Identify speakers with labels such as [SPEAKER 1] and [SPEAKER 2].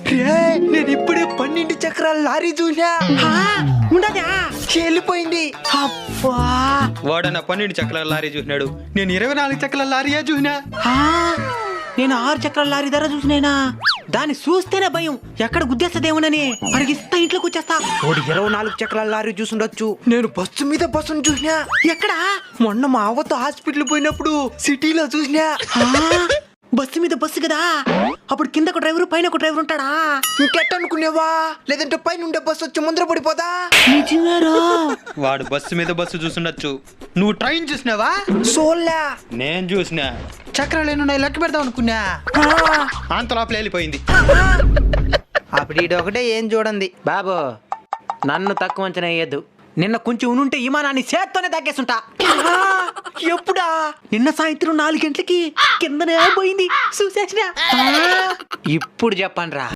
[SPEAKER 1] నేను ఇప్పుడే 12 చక్రాల లారీ చూసా.
[SPEAKER 2] ఉండదా
[SPEAKER 1] వెళ్ళిపోయింది.
[SPEAKER 2] అబ్బా
[SPEAKER 3] వాడన్న 12 చక్రాల లారీ చూసినాడు, నేను 24 చక్రాల లారీయే చూసినా.
[SPEAKER 2] నేను 6 చక్రాల లారీ ధర చూసినేనా? దాన్ని చూస్తేనే భయం, ఎక్కడ గుద్దేస్తదేమోనని పరిగిస్తా ఇంట్లోకి వచ్చేస్తా.
[SPEAKER 1] వాడు 24 చక్రాల లారీ చూసుండొచ్చు. నేను బస్సు మీద బస్సును చూసినా.
[SPEAKER 2] ఎక్కడా?
[SPEAKER 1] మొన్న మా అవ్వతో హాస్పిటల్ పోయినప్పుడు సిటీలో చూసినా.
[SPEAKER 2] బస్సు మీద బస్సు కదా, అప్పుడు కింద ఒక డ్రైవర్ పైన ఒక డ్రైవర్ ఉంటాడా?
[SPEAKER 1] ఇంకెట్ట అనుకునేవా? లేదంటే పైన ఉండే బస్సు వచ్చి ముందర పడిపోదా?
[SPEAKER 2] నిజమేరా?
[SPEAKER 3] వాడు బస్సు మీద బస్సు చూసుండొచ్చు. నువ్వు ట్రైన్ చూసినావా?
[SPEAKER 1] సోల్లా
[SPEAKER 3] నేను చూసినా. చక్రాలు ఎన్నున్నాయి లెక్క పెడదాం అనుకున్నా, అంత లోపల వెళ్ళిపోయింది.
[SPEAKER 1] అప్పుడు ఈడు ఒకటే ఏం చూడండి.
[SPEAKER 2] బాబు నన్ను తక్కువ అంచనా వేయద్దు. నిన్న కొంచెం ఉనుంటే విమానాన్ని చేత్తోనే తగ్గేసుంటా.
[SPEAKER 1] ఎప్పుడా?
[SPEAKER 2] నిన్న సాయంత్రం 4 గంటలకి కిందనే పోయింది చూసేసిన. ఇప్పుడు చెప్పండి రా.